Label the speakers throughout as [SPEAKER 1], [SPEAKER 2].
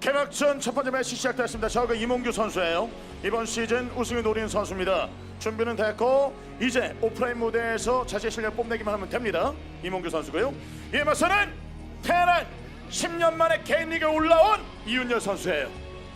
[SPEAKER 1] 개막전 첫 번째 매치 시작됐습니다. 저그 이몽규 선수예요. 이번 시즌 우승을 노리는 선수입니다. 준비는 됐고 이제 오프라인 무대에서 자신의 실력 뽐내기만 하면 됩니다. 이몽규 선수고요. 이에 맞서는 테란 10년 만에 개인 리그에 올라온 이윤열 선수예요.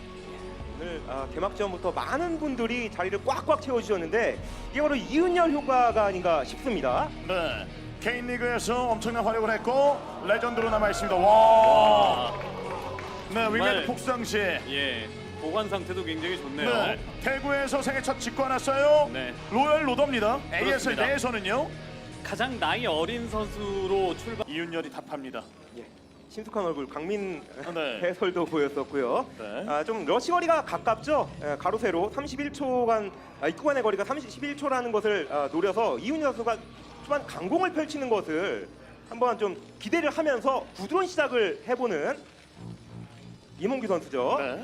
[SPEAKER 2] 오늘 개막전부터 많은 분들이 자리를 꽉꽉 채워주셨는데 이게 바로 이윤열 효과가 아닌가 싶습니다.
[SPEAKER 1] 네, 개인 리그에서 엄청난 활약을 했고 레전드로 남아 있습니다. 와, 네, 위기의 폭상시.
[SPEAKER 3] 예, 보관 상태도 굉장히 좋네요.
[SPEAKER 1] 네, 대구에서 생애 첫 직구 하났어요.
[SPEAKER 3] 네.
[SPEAKER 1] 로열 로더입니다. ASL
[SPEAKER 3] 그렇습니다.
[SPEAKER 1] 내에서는요.
[SPEAKER 3] 가장 나이 어린 선수로 출발.
[SPEAKER 1] 이윤열이 답합니다.
[SPEAKER 2] 예, 친숙한 얼굴 강민
[SPEAKER 1] 네.
[SPEAKER 2] 해설도 보였었고요.
[SPEAKER 1] 네.
[SPEAKER 2] 좀 러시 거리가 가깝죠. 가로 세로 31초간 입구간의 거리가 31초라는 것을 노려서 이윤열 선수가 초반 강공을 펼치는 것을 한번 좀 기대를 하면서 부드러운 시작을 해보는 이몽규 선수죠.
[SPEAKER 1] 네.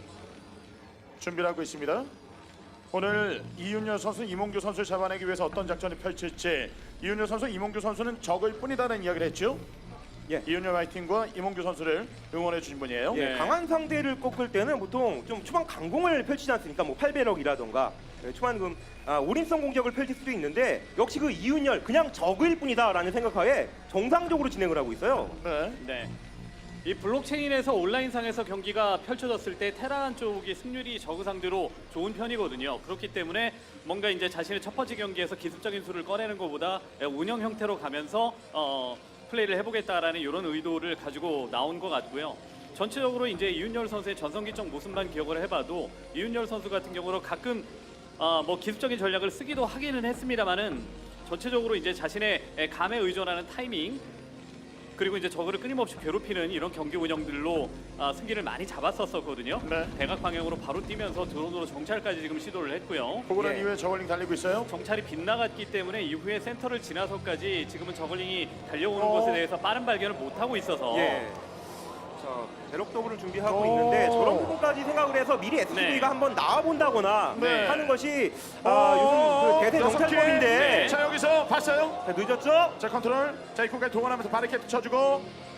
[SPEAKER 1] 준비를 하고 있습니다. 오늘 이윤열 선수, 이몽규 선수를 잡아내기 위해서 어떤 작전을 펼칠지. 이윤열 선수, 이몽규 선수는 적을 뿐이다라는 이야기를 했죠.
[SPEAKER 2] 예.
[SPEAKER 1] 이윤열 화이팅과 이몽규 선수를 응원해 주신 분이에요.
[SPEAKER 2] 예,
[SPEAKER 3] 네.
[SPEAKER 2] 강한 상대를 꺾을 때는 보통 좀 초반 강공을 펼치지 않습니까? 뭐 8배럭이라던가 초반 올인성 공격을 펼칠 수도 있는데 역시 그 이윤열 그냥 적일 뿐이다라는 생각하에 정상적으로 진행을 하고 있어요.
[SPEAKER 1] 네.
[SPEAKER 3] 네. 이 블록체인에서 온라인상에서 경기가 펼쳐졌을 때 테란 쪽이 승률이 저그 상대로 좋은 편이거든요. 그렇기 때문에 뭔가 이제 자신의 첫 번째 경기에서 기습적인 수를 꺼내는 것보다 운영 형태로 가면서 플레이를 해보겠다라는 이런 의도를 가지고 나온 것 같고요. 전체적으로 이제 이윤열 선수의 전성기적 모습만 기억을 해봐도 이윤열 선수 같은 경우로 가끔 뭐 기습적인 전략을 쓰기도 하기는 했습니다만은 전체적으로 이제 자신의 감에 의존하는 타이밍 그리고 이제 저그를 끊임없이 괴롭히는 이런 경기 운영들로 승기를 많이 잡았었거든요.
[SPEAKER 1] 네.
[SPEAKER 3] 대각 방향으로 바로 뛰면서 드론으로 정찰까지 지금 시도를 했고요.
[SPEAKER 1] 보고 난
[SPEAKER 2] 예.
[SPEAKER 1] 이후에 저걸링 달리고 있어요.
[SPEAKER 3] 정찰이 빗나갔기 때문에 이후에 센터를 지나서까지 지금은 저글링이 달려오는 것에 대해서 빠른 발견을 못하고 있어서
[SPEAKER 2] 예. 자, 대럭 더블을 준비하고
[SPEAKER 1] 오.
[SPEAKER 2] 있는데 저런 부분까지 생각을 해서 미리 SCV가
[SPEAKER 3] 네.
[SPEAKER 2] 한번 나와본다거나
[SPEAKER 1] 네.
[SPEAKER 2] 하는 것이 요즘 그 대세
[SPEAKER 1] 여섯 개.
[SPEAKER 2] 정찰법인데
[SPEAKER 3] 네.
[SPEAKER 1] 자, 여기서 봤어요.
[SPEAKER 2] 자, 늦었죠?
[SPEAKER 1] 자, 컨트롤. 자, 입구까지 동원하면서 바리케이트 쳐주고.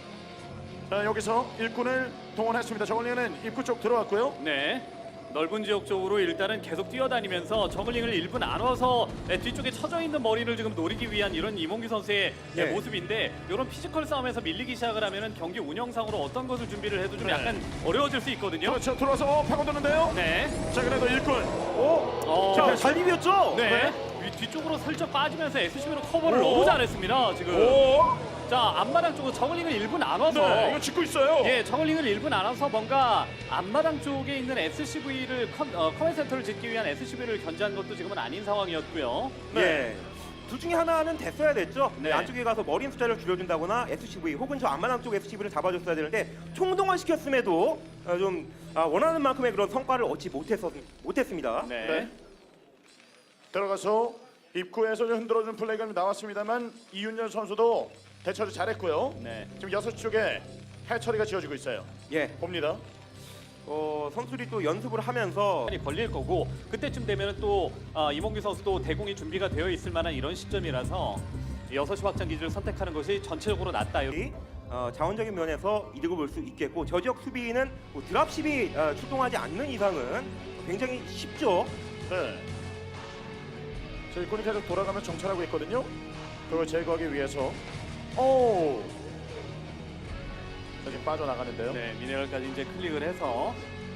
[SPEAKER 1] 자, 여기서 일꾼을 동원했습니다. 저걸링은 입구 쪽 들어왔고요.
[SPEAKER 3] 네. 넓은 지역 쪽으로 일단은 계속 뛰어다니면서 저글링을 일부 나눠서 뒤쪽에 쳐져 있는 머리를 지금 노리기 위한 이런 이몽규 선수의
[SPEAKER 2] 네.
[SPEAKER 3] 모습인데 이런 피지컬 싸움에서 밀리기 시작을 하면은 경기 운영상으로 어떤 것을 준비를 해도 좀
[SPEAKER 1] 네.
[SPEAKER 3] 약간 어려워질 수 있거든요.
[SPEAKER 1] 그렇죠. 들어와서 파고드는데요.
[SPEAKER 3] 네.
[SPEAKER 1] 자, 그래도 일꾼.
[SPEAKER 2] 자, 잘 비볐죠?
[SPEAKER 3] 네. 뒤쪽으로 슬쩍 빠지면서 SCB로 커버를
[SPEAKER 1] 오.
[SPEAKER 3] 너무 잘했습니다. 지금.
[SPEAKER 1] 오.
[SPEAKER 3] 자, 앞마당 쪽으로 저글링을 일부 나눠서
[SPEAKER 1] 네, 이거 짓고 있어요.
[SPEAKER 3] 예, 저글링을 일부 나눠서 뭔가 앞마당 쪽에 있는 SCV를 커맨 센터를 짓기 위한 SCV를 견제한 것도 지금은 아닌 상황이었고요.
[SPEAKER 1] 네.
[SPEAKER 2] 예. 둘 중에 하나는 됐어야 됐죠.
[SPEAKER 3] 네.
[SPEAKER 2] 안쪽에 가서 머리 숫자를 줄여준다거나 SCV 혹은 저 앞마당 쪽 SCV를 잡아줬어야 되는데 총동원 시켰음에도 좀 원하는 만큼의 그런 성과를 얻지 못했습니다.
[SPEAKER 3] 네.
[SPEAKER 1] 네. 들어가서 입구에서 좀 흔들어주는 플레이가 나왔습니다만 이윤열 선수도 대처를 잘했고요.
[SPEAKER 3] 네.
[SPEAKER 1] 지금 6시 쪽에 해처리가 지어지고 있어요.
[SPEAKER 2] 예.
[SPEAKER 1] 봅니다.
[SPEAKER 2] 선수들이 또 연습을 하면서
[SPEAKER 3] 시간이 걸릴 거고 그때쯤 되면은 또 이몽규 선수도 대공이 준비가 되어 있을 만한 이런 시점이라서 6시 확장 기지를 선택하는 것이 전체적으로 낫다.
[SPEAKER 2] 자원적인 면에서 이득을 볼 수 있겠고 저 지역 수비는 뭐 드랍십이 출동하지 않는 이상은 굉장히 쉽죠.
[SPEAKER 1] 네. 자, 일꾼이 계속 돌아가면서 정찰하고 있거든요. 그걸 제거하기 위해서. 오. 자, 지금 빠져나가는데요.
[SPEAKER 3] 네, 미네랄까지 이제 클릭을 해서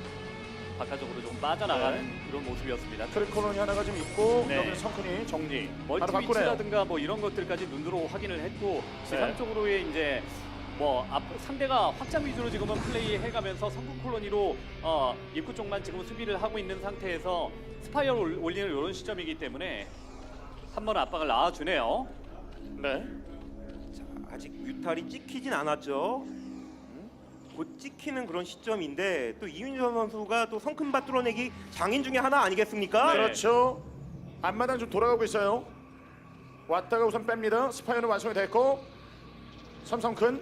[SPEAKER 3] 바깥쪽으로 좀 빠져나가는
[SPEAKER 1] 네.
[SPEAKER 3] 그런 모습이었습니다.
[SPEAKER 1] 트리콜론이 하나가 좀 있고
[SPEAKER 3] 네.
[SPEAKER 1] 여기는 성큰이 정리. 바로
[SPEAKER 3] 멀티
[SPEAKER 1] 바꾸네요.
[SPEAKER 3] 위치라든가 뭐 이런 것들까지 눈으로 확인을 했고 지상
[SPEAKER 1] 네.
[SPEAKER 3] 쪽으로의 이제 뭐 상대가 확장 위주로 지금은 플레이 해가면서 성공 콜로니로 입구 쪽만 지금 수비를 하고 있는 상태에서 스파이어 올리는 이런 시점이기 때문에 한번 압박을 낳아주네요.
[SPEAKER 1] 네.
[SPEAKER 2] 아직 뮤탈이 찍히진 않았죠. 곧 찍히는 그런 시점인데 또 이윤정 선수가 또 성큼밭 뚫어내기 장인 중에 하나 아니겠습니까?
[SPEAKER 3] 네.
[SPEAKER 1] 그렇죠. 앞마당 좀 돌아가고 있어요. 왔다가 우선 뺍니다. 스파이어는 완성이 됐고 삼성큰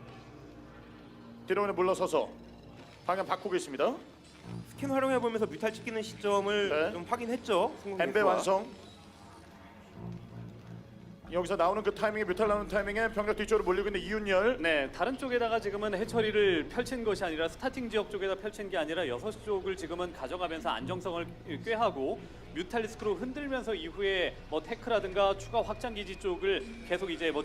[SPEAKER 1] 뒤로 물러서서 방향 바꾸고 있습니다.
[SPEAKER 2] 스캔 활용해보면서 뮤탈 찍히는 시점을
[SPEAKER 1] 네.
[SPEAKER 2] 좀 확인했죠.
[SPEAKER 1] 엠베 완성. 여기서 나오는 그 타이밍에 뮤탈 나오는 타이밍에 병력 뒤쪽으로 몰리고 있는 이윤열.
[SPEAKER 3] 네, 다른 쪽에다가 지금은 해처리를 펼친 것이 아니라 스타팅 지역 쪽에다 펼친 게 아니라 6쪽을 지금은 가져가면서 안정성을 꿰하고 뮤탈리스크로 흔들면서 이후에 뭐 테크라든가 추가 확장 기지 쪽을 계속 이제 뭐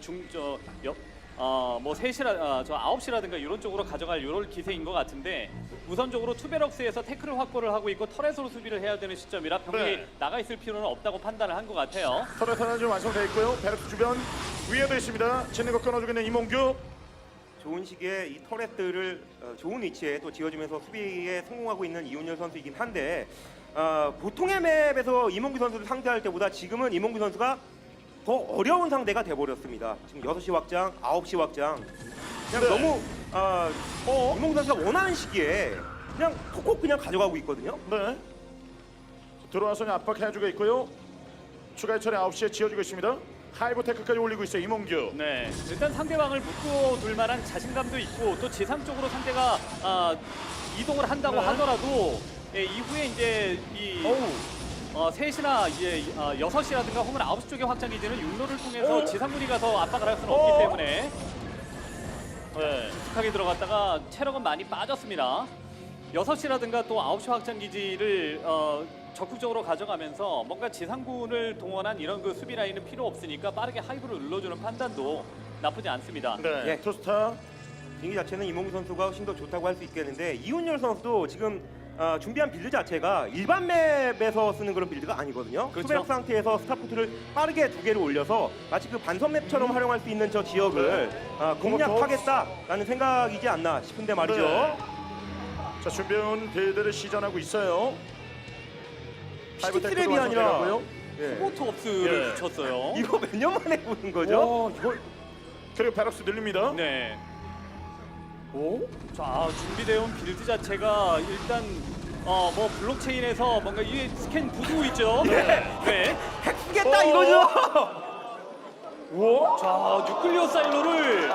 [SPEAKER 3] 뭐 3시라 저 9시라든가 이런 쪽으로 가져갈 이런 기세인 것 같은데 우선적으로 투베럭스에서 태클을 확보를 하고 있고 터렛으로 수비를 해야 되는 시점이라 병력이
[SPEAKER 1] 네.
[SPEAKER 3] 나가 있을 필요는 없다고 판단을 한 것 같아요.
[SPEAKER 1] 터렛 하나 좀 완성되어 있고요. 베럭스 주변 위에도 있습니다. 짓는 거 끊어주고 있는 이몽규.
[SPEAKER 2] 좋은 시기에 이 터렛들을 좋은 위치에 또 지어주면서 수비에 성공하고 있는 이훈열 선수이긴 한데 보통의 맵에서 이몽규 선수를 상대할 때보다 지금은 이몽규 선수가 더 어려운 상대가 돼버렸습니다. 지금 6시 확장, 9시 확장 그냥
[SPEAKER 1] 네.
[SPEAKER 2] 너무 이몽규 선수가 원하는 시기에 그냥 콕콕 그냥 가져가고 있거든요.
[SPEAKER 1] 네. 들어와서 그냥 압박해주고 있고요. 추가 해처리 9시에 지어주고 있습니다. 하이브 테크까지 올리고 있어요. 이몽규.
[SPEAKER 3] 네, 일단 상대방을 묶어둘 만한 자신감도 있고 또 지상 쪽으로 상대가 이동을 한다고
[SPEAKER 1] 네.
[SPEAKER 3] 하더라도 이후에 이제 이 3시나 이제 6시라든가 혹은 9시 쪽의 확장 기지는 육로를 통해서 지상군이 가서 압박을 할 수는 없기 때문에
[SPEAKER 1] 네.
[SPEAKER 3] 깊숙하게 들어갔다가 체력은 많이 빠졌습니다. 6시라든가 또 9시 확장 기지를 적극적으로 가져가면서 뭔가 지상군을 동원한 이런 그 수비 라인은 필요 없으니까 빠르게 하이브를 눌러주는 판단도 나쁘지 않습니다.
[SPEAKER 1] 네.
[SPEAKER 2] 예.
[SPEAKER 1] 투스타.
[SPEAKER 2] 분위기 자체는 이몽규 선수가 훨씬 더 좋다고 할 수 있겠는데 이훈열 선수도 지금 준비한 빌드 자체가 일반 맵에서 쓰는 그런 빌드가 아니거든요.
[SPEAKER 3] 그렇죠.
[SPEAKER 2] 투베럭 상태에서 스타포트를 빠르게 2개를 올려서 마치 그 반선 맵처럼 활용할 수 있는 저 지역을 공략하겠다라는 생각이지 않나 싶은데 말이죠.
[SPEAKER 1] 네. 자, 준비해온 빌드를 시전하고 있어요. 하이브 테크도
[SPEAKER 2] 시티랩이 아니라
[SPEAKER 1] 완성돼가고요.
[SPEAKER 3] 포트 업스를
[SPEAKER 1] 예.
[SPEAKER 3] 붙였어요.
[SPEAKER 2] 이거 몇 년 만에 보는 거죠?
[SPEAKER 1] 그리고 베럭스 늘립니다.
[SPEAKER 3] 네. 자, 준비되어 빌드 자체가 일단 뭐 블록체인에서 뭔가 이 스캔 부수고 있죠. 네.
[SPEAKER 2] 핵쓰겠다 이거죠?
[SPEAKER 3] 자, 뉴클리어 사일로를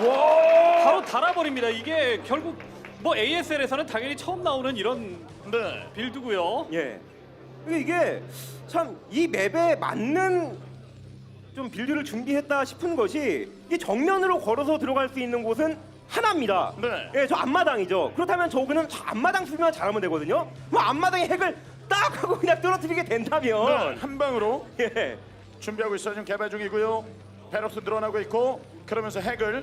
[SPEAKER 3] 바로 달아버립니다. 이게 결국 뭐 ASL에서는 당연히 처음 나오는 이런
[SPEAKER 1] 네.
[SPEAKER 3] 빌드고요.
[SPEAKER 2] 예. 근데 이게 참 이 맵에 맞는 좀 빌드를 준비했다 싶은 것이 이게 정면으로 걸어서 들어갈 수 있는 곳은 하나입니다.
[SPEAKER 1] 네.
[SPEAKER 2] 예, 저 앞마당이죠. 그렇다면 저거는 저 앞마당 수비만 잘하면 되거든요. 뭐 앞마당에 핵을 딱 하고 그냥 떨어뜨리게
[SPEAKER 1] 네.
[SPEAKER 2] 된다면
[SPEAKER 1] 한 방으로
[SPEAKER 2] 예.
[SPEAKER 1] 준비하고 있어요. 지금 개발 중이고요. 베럭스 늘어나고 있고 그러면서 핵을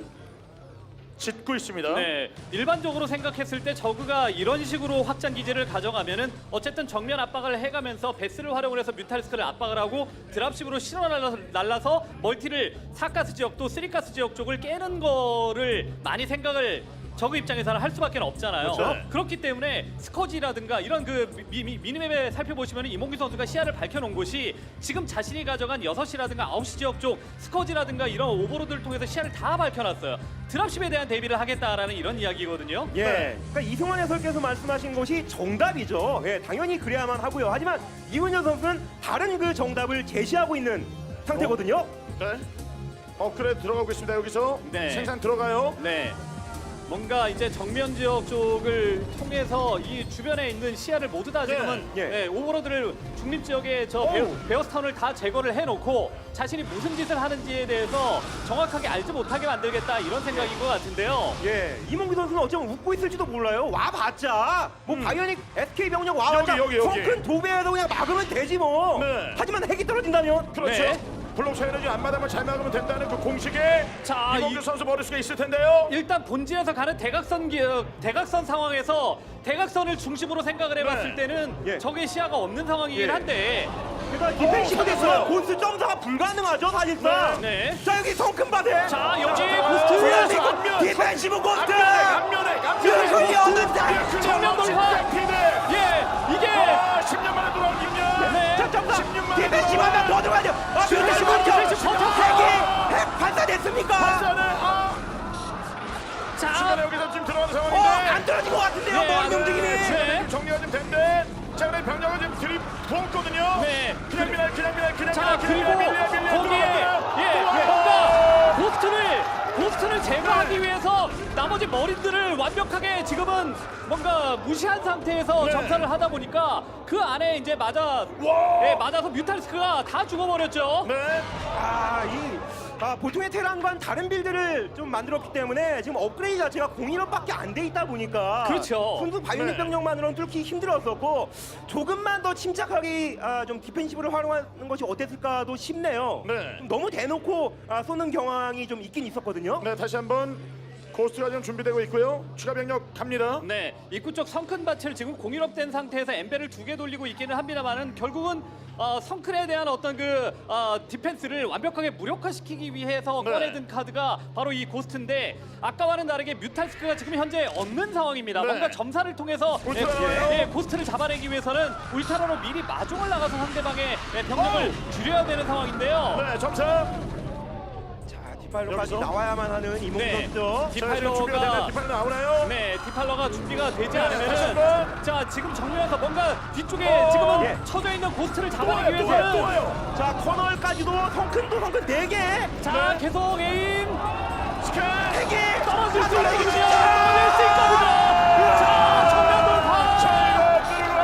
[SPEAKER 1] 짓고 있습니다.
[SPEAKER 3] 네, 일반적으로 생각했을 때 저그가 이런 식으로 확장 기지를 가져가면은 어쨌든 정면 압박을 해가면서 베스를 활용을 해서 뮤탈리스크를 압박을 하고 드랍십으로 실어 날라서 멀티를 4가스 지역 또 3가스 지역 쪽을 깨는 거를 많이 생각을 저그 입장에서는 할 수밖에 없잖아요.
[SPEAKER 1] 그렇죠.
[SPEAKER 3] 그렇기 때문에 스커지라든가 이런 그 미니맵에 살펴보시면 이몽규 선수가 시야를 밝혀놓은 곳이 지금 자신이 가져간 6시라든가 9시 지역 쪽 스커지라든가 이런 오버로드를 통해서 시야를 다 밝혀놨어요. 드랍십에 대한 대비를 하겠다라는 이런 이야기거든요.
[SPEAKER 2] 예.
[SPEAKER 1] 네.
[SPEAKER 2] 그러니까 이승환 해설께서 말씀하신 것이 정답이죠. 예, 당연히 그래야만 하고요. 하지만 이훈현 선수는 다른 그 정답을 제시하고 있는 상태거든요.
[SPEAKER 1] 네. 업그레이드 들어가고 있습니다. 여기서
[SPEAKER 3] 네.
[SPEAKER 1] 생산 들어가요.
[SPEAKER 3] 네. 뭔가 이제 정면 지역 쪽을 통해서 이 주변에 있는 시야를 모두 다 지금은
[SPEAKER 2] 예.
[SPEAKER 3] 네, 오버로드를 중립 지역에 저 베어스타운을 다 제거를 해놓고 자신이 무슨 짓을 하는지에 대해서 정확하게 알지 못하게 만들겠다 이런 생각인 것 같은데요.
[SPEAKER 2] 예, 이몽규 선수는 어쩌면 웃고 있을지도 몰라요. 와봤자 뭐 당연히 SK 병력 와봤자
[SPEAKER 1] 여기.
[SPEAKER 2] 성큰 도배에서 그냥 막으면 되지 뭐.
[SPEAKER 1] 네.
[SPEAKER 2] 하지만 핵이 떨어진다면
[SPEAKER 1] 그렇죠.
[SPEAKER 3] 네.
[SPEAKER 1] 블록체인은 지금 앞마당만 잘 막으면 된다는 그 공식에
[SPEAKER 3] 자,
[SPEAKER 1] 이몽규 선수 머릿속에 있을 텐데요.
[SPEAKER 3] 일단 본진에서 가는 대각선 상황에서 대각선을 중심으로 생각을 해봤을
[SPEAKER 1] 네.
[SPEAKER 3] 때는
[SPEAKER 2] 예.
[SPEAKER 3] 적의 시야가 없는 상황이긴
[SPEAKER 2] 예.
[SPEAKER 3] 한데
[SPEAKER 2] 그러니까 디펜시브
[SPEAKER 1] 찾았어요.
[SPEAKER 2] 됐어요. 본스 점사가 불가능하죠 사실상.
[SPEAKER 3] 네.
[SPEAKER 2] 자 여기 성큰 바대.
[SPEAKER 3] 자 여기
[SPEAKER 1] 자,
[SPEAKER 3] 고스트
[SPEAKER 1] 앞면.
[SPEAKER 2] 디펜시브 고스트.
[SPEAKER 1] 앞면에
[SPEAKER 2] 디펜시브 없는데.
[SPEAKER 3] 정면 돌파.
[SPEAKER 1] 피드.
[SPEAKER 3] 예 이게
[SPEAKER 1] 10년 만에 돌아온 김연.
[SPEAKER 3] 네.
[SPEAKER 2] 자 점사.
[SPEAKER 1] 16만 원.
[SPEAKER 2] 디펜시브 하면 더 들어가죠. 디펜시브
[SPEAKER 3] 디펜시브
[SPEAKER 2] 고스트.
[SPEAKER 3] 버텨.
[SPEAKER 2] 핵 발사됐습니까?
[SPEAKER 1] 발사는
[SPEAKER 3] 자
[SPEAKER 1] 중간에 여기서 지금 들어가는 상황인데.
[SPEAKER 2] 안 떨어진 것 같은데요.
[SPEAKER 3] 네,
[SPEAKER 2] 머리 움직임이.
[SPEAKER 3] 네.
[SPEAKER 1] 지금 정리가 좀 된대. 자, 그래 병력을 지금 들이부었거든요.
[SPEAKER 3] 네.
[SPEAKER 1] 그냥 밀어.
[SPEAKER 3] 자 그리고 거기에
[SPEAKER 1] 들어갑니다.
[SPEAKER 3] 뭔가 고스트를 제거하기 위해서 나머지 머린들을 완벽하게 지금은 뭔가 무시한 상태에서
[SPEAKER 1] 네.
[SPEAKER 3] 점사를 하다 보니까 그 안에 이제 맞아서 뮤탈리스크가 다 죽어버렸죠.
[SPEAKER 1] 네.
[SPEAKER 2] 보통의 테란과는 다른 빌드를 좀 만들었기 때문에 지금 업그레이드 자체가 01업밖에 안 돼 있다 보니까
[SPEAKER 3] 그렇죠.
[SPEAKER 2] 순수 바이오닉
[SPEAKER 1] 네.
[SPEAKER 2] 병력만으로는 뚫기 힘들었었고 조금만 더 침착하게 좀 디펜시브를 활용하는 것이 어땠을까도 싶네요.
[SPEAKER 1] 네.
[SPEAKER 2] 좀 너무 대놓고 쏘는 경향이 좀 있긴 있었거든요.
[SPEAKER 1] 네, 다시 한번 고스트가 지금 준비되고 있고요. 추가 병력 갑니다.
[SPEAKER 3] 네, 입구 쪽 성큰 밭을 지금 공일업된 상태에서 엠벨을 2개 돌리고 있기는 합니다만은 결국은 성큰에 대한 어떤 그 디펜스를 완벽하게 무력화시키기 위해서
[SPEAKER 1] 네.
[SPEAKER 3] 꺼내든 카드가 바로 이 고스트인데 아까와는 다르게 뮤탈스크가 지금 현재 없는 상황입니다.
[SPEAKER 1] 네.
[SPEAKER 3] 뭔가 점사를 통해서
[SPEAKER 1] 울트라요.
[SPEAKER 3] 고스트를 잡아내기 위해서는 울타라로 미리 마중을 나가서 상대방의 병력을 줄여야 되는 상황인데요.
[SPEAKER 1] 네, 점차.
[SPEAKER 2] 자, 디파일러까지
[SPEAKER 1] 여기서?
[SPEAKER 2] 나와야만 하는 이몽
[SPEAKER 3] 네.
[SPEAKER 2] 선수죠.
[SPEAKER 3] 디파일러가
[SPEAKER 1] 디파일러 나오나요?
[SPEAKER 3] 네, 디팔러가 준비가 되지
[SPEAKER 1] 다시
[SPEAKER 3] 않으면은
[SPEAKER 1] 한번.
[SPEAKER 3] 자 지금 정면에서 뭔가 뒤쪽에 지금은
[SPEAKER 2] 예.
[SPEAKER 3] 쳐져 있는 고스트를
[SPEAKER 1] 또
[SPEAKER 3] 잡아내기
[SPEAKER 1] 와요, 또 와요, 또
[SPEAKER 3] 위해서는
[SPEAKER 1] 와요.
[SPEAKER 2] 자, 커널까지도 성큰 4개.
[SPEAKER 3] 자
[SPEAKER 1] 네.
[SPEAKER 3] 계속 에임
[SPEAKER 1] 스캔.
[SPEAKER 2] 3개.
[SPEAKER 3] 떨어질 수 있거든요. 떨어질 수 있거든요. 자 정면 돌파.
[SPEAKER 1] 자,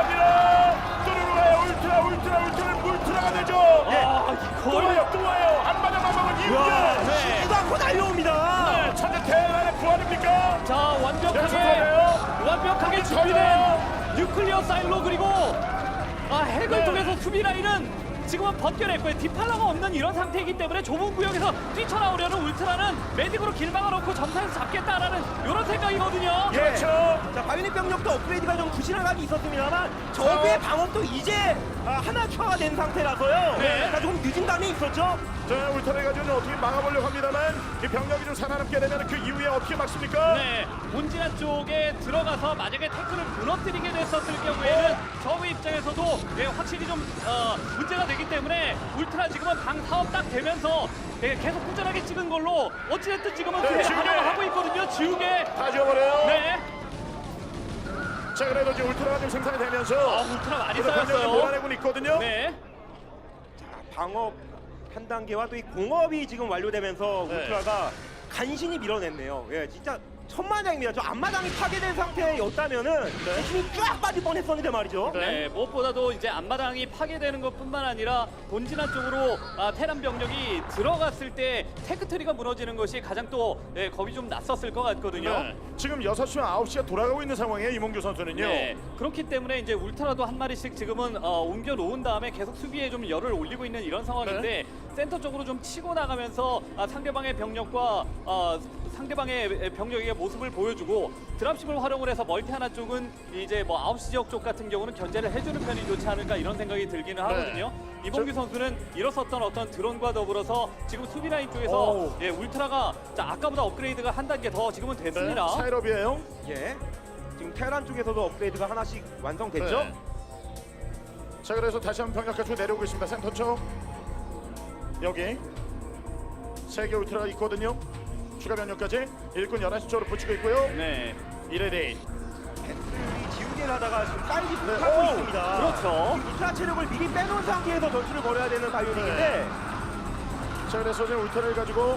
[SPEAKER 1] 뚜루루 가요. 울트라가 되죠. 또
[SPEAKER 3] 이걸
[SPEAKER 1] 와요, 또 와요. 안마당 마방은
[SPEAKER 2] 와,
[SPEAKER 1] 이우야.
[SPEAKER 3] 네.
[SPEAKER 2] 쉬지도 않고 달려옵니다.
[SPEAKER 1] 네, 천재 대란의 부활입니까?
[SPEAKER 3] 자 완벽하게
[SPEAKER 1] 연속하네요.
[SPEAKER 3] 준비된 뉴클리어 사일로 그리고 핵을
[SPEAKER 1] 네.
[SPEAKER 3] 통해서 수비 라인은 지금은 벗겨냈고요. 디팔러가 없는 이런 상태이기 때문에 좁은 구역에서 뛰쳐나오려는 울트라는 매직으로 길 막아놓고 점사에서 잡겠다라는 이런 생각이거든요.
[SPEAKER 1] 그렇죠.
[SPEAKER 2] 자, 바이오닉 병력도 업그레이드가 좀 부실한 감이 있었습니다만 적의 방어도 이제 하나 추가가 된 상태라서요.
[SPEAKER 3] 네.
[SPEAKER 2] 자, 조금 늦은 감이 있었죠.
[SPEAKER 1] 자, 울타라 가지고 좀 어떻게 막아보려고 합니다만 이 병력이 좀 살아남게 되면 그 이후에 어떻게 막습니까?
[SPEAKER 3] 네, 본진한 쪽에 들어가서 만약에 태클을 무너뜨리게 됐었을 경우에는 저우 입장에서도 확실히 좀 문제가 되기 때문에 울트라 지금은 방 사업 딱 되면서 계속 꾸준하게 찍은 걸로 어찌됐든 지금은
[SPEAKER 1] 네,
[SPEAKER 3] 수비를
[SPEAKER 1] 지우개.
[SPEAKER 3] 하고 있거든요. 지우개.
[SPEAKER 1] 다 지워버려요.
[SPEAKER 3] 네.
[SPEAKER 1] 자, 그래도 이제 울트라가 좀 생산이 되면서
[SPEAKER 3] 울트라 많이
[SPEAKER 1] 그래도 병력이
[SPEAKER 3] 쌓였어요.
[SPEAKER 1] 몰아내고 있거든요.
[SPEAKER 3] 네.
[SPEAKER 2] 자, 방업 한 단계와 또 이 공업이 지금 완료되면서
[SPEAKER 1] 네.
[SPEAKER 2] 울트라가 간신히 밀어냈네요. 예, 진짜 천만장입니다. 저 앞마당이 파괴된 상태였다면은 힘이 쫙 빠질 뻔했었는데 말이죠.
[SPEAKER 3] 네, 무엇보다도 이제 앞마당이 파괴되는 것뿐만 아니라 본진한 쪽으로 테란 병력이 들어갔을 때 테크트리가 무너지는 것이 가장 또 겁이 좀 났었을 것 같거든요.
[SPEAKER 1] 네. 지금 6시와 9시가 돌아가고 있는 상황이에요. 이몽규 선수는요.
[SPEAKER 3] 네, 그렇기 때문에 이제 울트라도 한 마리씩 지금은 옮겨 놓은 다음에 계속 수비에 좀 열을 올리고 있는 이런 상황인데 센터 쪽으로 좀 치고 나가면서 상대방의 병력과 상대방의 병력의 모습을 보여주고 드랍십을 활용을 해서 멀티 하나 쪽은 이제 뭐 9시 지역 쪽 같은 경우는 견제를 해주는 편이 좋지 않을까 이런 생각이 들기는 하거든요. 이봉규 선수는 일어섰던 어떤 드론과 더불어서 지금 수비 라인 쪽에서
[SPEAKER 1] 오.
[SPEAKER 3] 울트라가 아까보다 업그레이드가 한 단계 더 지금은 됐습니다.
[SPEAKER 1] 네, 차이럽이에요.
[SPEAKER 2] 예. 지금 테란 쪽에서도 업그레이드가 하나씩 완성됐죠.
[SPEAKER 1] 네. 자, 그래서 다시 한번 병력 가지고 내려오고 있습니다. 센터 쪽. 여기 3개 울트라가 있거든요. 추가 병력까지 일꾼 11시 쪽으로 붙이고 있고요.
[SPEAKER 3] 네.
[SPEAKER 1] 1레디.
[SPEAKER 2] 배틀이 지우개를 하다가 지금 사이즈
[SPEAKER 1] 네.
[SPEAKER 2] 못하고
[SPEAKER 1] 오!
[SPEAKER 2] 있습니다.
[SPEAKER 3] 그렇죠.
[SPEAKER 2] 지금 울트라 체력을 미리 빼놓은 상태에서 전투를 벌여야 되는 바이오닉인데
[SPEAKER 1] 자, 그래서 지금 울트라를 가지고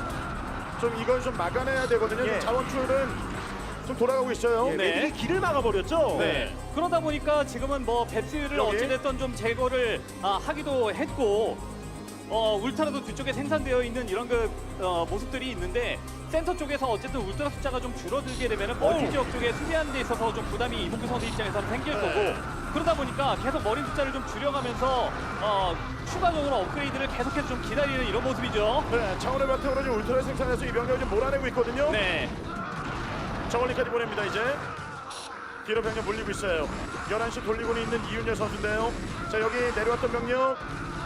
[SPEAKER 1] 좀 이걸 좀 막아내야 되거든요.
[SPEAKER 2] 예.
[SPEAKER 1] 자원줄은 좀 돌아가고 있어요.
[SPEAKER 2] 예,
[SPEAKER 3] 네.
[SPEAKER 2] 매직이 길을 막아버렸죠.
[SPEAKER 3] 네. 그러다 보니까 지금은 뭐 배스를
[SPEAKER 1] 여기?
[SPEAKER 3] 어찌됐든 좀 제거를 하기도 했고 울트라도 뒤쪽에 생산되어 있는 이런 그 모습들이 있는데 센터 쪽에서 어쨌든 울트라 숫자가 좀 줄어들게 되면은 멀티 지역 쪽에 수비하는 데 있어서 좀 부담이 이봉규 선수 입장에서는 생길
[SPEAKER 1] 네.
[SPEAKER 3] 거고 그러다 보니까 계속 머리 숫자를 좀 줄여가면서 추가적으로 업그레이드를 계속해서 좀 기다리는 이런 모습이죠.
[SPEAKER 1] 네, 차원의 바탕으로 지금 울트라 생산해서 이 병력을 좀 몰아내고 있거든요.
[SPEAKER 3] 네.
[SPEAKER 1] 저걸리까지 보냅니다. 이제 뒤로 병력 몰리고 있어요. 11시 돌리고는 있는 이윤열 선수인데요. 자, 여기 내려왔던 병력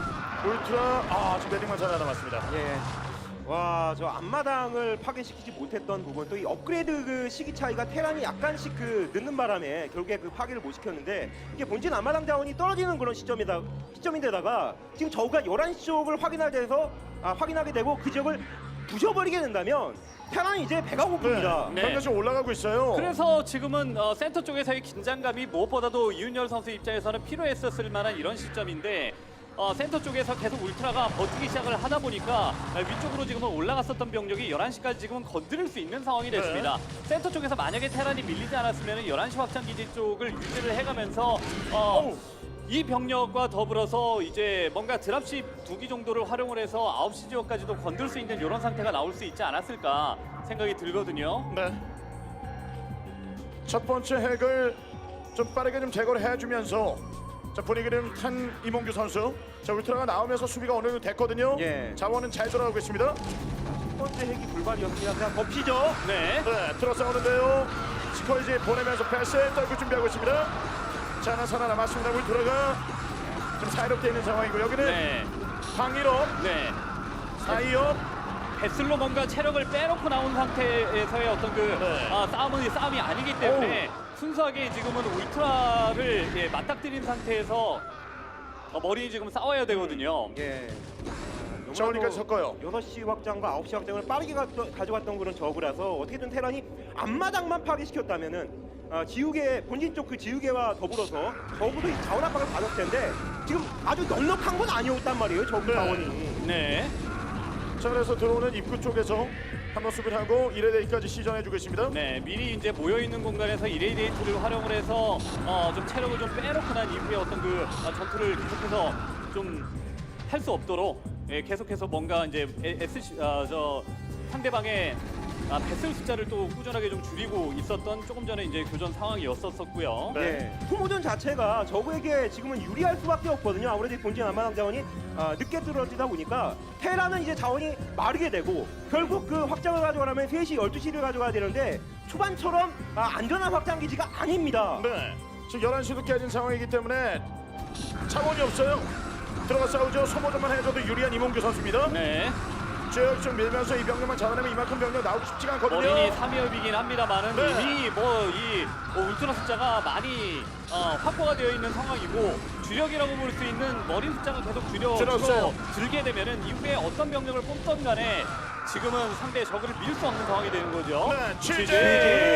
[SPEAKER 1] 울트라 지금 매딩만 하나 남았습니다.
[SPEAKER 2] 예. 와, 저 앞마당을 파괴시키지 못했던 부분 또 이 업그레이드 그 시기 차이가 테란이 약간씩 그 늦는 바람에 결국에 그 파괴를 못 시켰는데 이게 본진 앞마당 자원이 떨어지는 그런 시점인데다가 지금 저우가 11시 쪽을 확인하게 되고 그 지역을 부셔버리게 된다면 테란이 이제 배가 고픕니다.
[SPEAKER 3] 네.
[SPEAKER 1] 병력이 올라가고 있어요.
[SPEAKER 3] 그래서 지금은 센터 쪽에서의 긴장감이 무엇보다도 이윤열 선수 입장에서는 필요했었을 만한 이런 시점인데 센터 쪽에서 계속 울트라가 버티기 시작을 하다 보니까 위쪽으로 지금은 올라갔었던 병력이 11시까지 지금은 건드릴 수 있는 상황이 됐습니다. 센터 쪽에서 만약에 테란이 밀리지 않았으면 11시 확장 기지 쪽을 유지를 해가면서 이 병력과 더불어서 이제 뭔가 드랍십 2기 정도를 활용을 해서 9시 지역까지도 건들 수 있는 이런 상태가 나올 수 있지 않았을까 생각이 들거든요.
[SPEAKER 1] 네. 첫 번째 핵을 좀 빠르게 좀 제거를 해주면서 자 분위기를 탄 이몽규 선수. 자 울트라가 나오면서 수비가 어느 정도 됐거든요.
[SPEAKER 2] 예.
[SPEAKER 1] 자원은 잘 돌아가고 있습니다.
[SPEAKER 2] 첫 번째 핵이 불발이었습니다. 그냥 덮치죠.
[SPEAKER 3] 네.
[SPEAKER 1] 네, 들어싸우는데요. 스커이지 보내면서 패스 떨고 준비하고 있습니다. 자 하나 살아남았습니다. 울트라가 좀 사이롭게 있는 상황이고 여기는
[SPEAKER 3] 네.
[SPEAKER 1] 방위로
[SPEAKER 3] 네.
[SPEAKER 1] 사이업.
[SPEAKER 3] 배슬로 뭔가 체력을 빼놓고 나온 상태에서의 어떤 그
[SPEAKER 1] 네.
[SPEAKER 3] 싸움이 아니기 때문에 순수하게 지금은 울트라를 맞닥뜨린 상태에서 머리 지금 싸워야 되거든요.
[SPEAKER 2] 예.
[SPEAKER 1] 저울리까지 섞어요.
[SPEAKER 2] 6시 확장과 9시 확장을 빠르게 가져갔던 그런 저그라서 어떻게든 테란이 앞마당만 파괴시켰다면은 지우개 본진 쪽 그 지우개와 더불어서 적어도 이 자원 압박을 받았을 텐데 지금 아주 넉넉한 건 아니었단 말이에요. 저그
[SPEAKER 1] 네.
[SPEAKER 2] 자원이.
[SPEAKER 3] 네.
[SPEAKER 1] 자 그래서 들어오는 입구 쪽에서 한번 수비를 하고 1회대까지 시전해주고 있습니다.
[SPEAKER 3] 네, 미리 이제 모여 있는 공간에서 이레디에이트를 활용을 해서 좀 체력을 좀 빼놓고 난 이후에 어떤 그 전투를 계속해서 좀 할 수 없도록 계속해서 뭔가 이제 상대방의 배슬 숫자를 또 꾸준하게 좀 줄이고 있었던 조금 전에 이제 교전 상황이었었고요.
[SPEAKER 1] 네.
[SPEAKER 2] 예. 소모전 자체가 저그에게 지금은 유리할 수밖에 없거든요. 아무래도 이 본진 안마당 자원이 늦게 들어지다 보니까 테라는 이제 자원이 마르게 되고 결국 그 확장을 가져가려면 3시, 12시를 가져가야 되는데 초반처럼 안전한 확장 기지가 아닙니다.
[SPEAKER 1] 네. 지금 11시도 깨진 상황이기 때문에 차원이 없어요. 들어가 싸우죠. 소모전만 해줘도 유리한 이몽규 선수입니다.
[SPEAKER 3] 네.
[SPEAKER 1] 쭉 밀면서 이 병력만 잡아내면 이만큼 병력 나오기 쉽지가 않거든요.
[SPEAKER 3] 머린이 3위업이긴 합니다만은
[SPEAKER 1] 네.
[SPEAKER 3] 이미 울트라 숫자가 많이 확보가 되어 있는 상황이고 주력이라고 볼 수 있는 머린 숫자가 계속
[SPEAKER 1] 줄었어요.
[SPEAKER 3] 줄게 되면은 이후에 어떤 병력을 뽑던 간에 지금은 상대 적을 밀 수 없는 상황이 되는 거죠.
[SPEAKER 1] 네, 취재!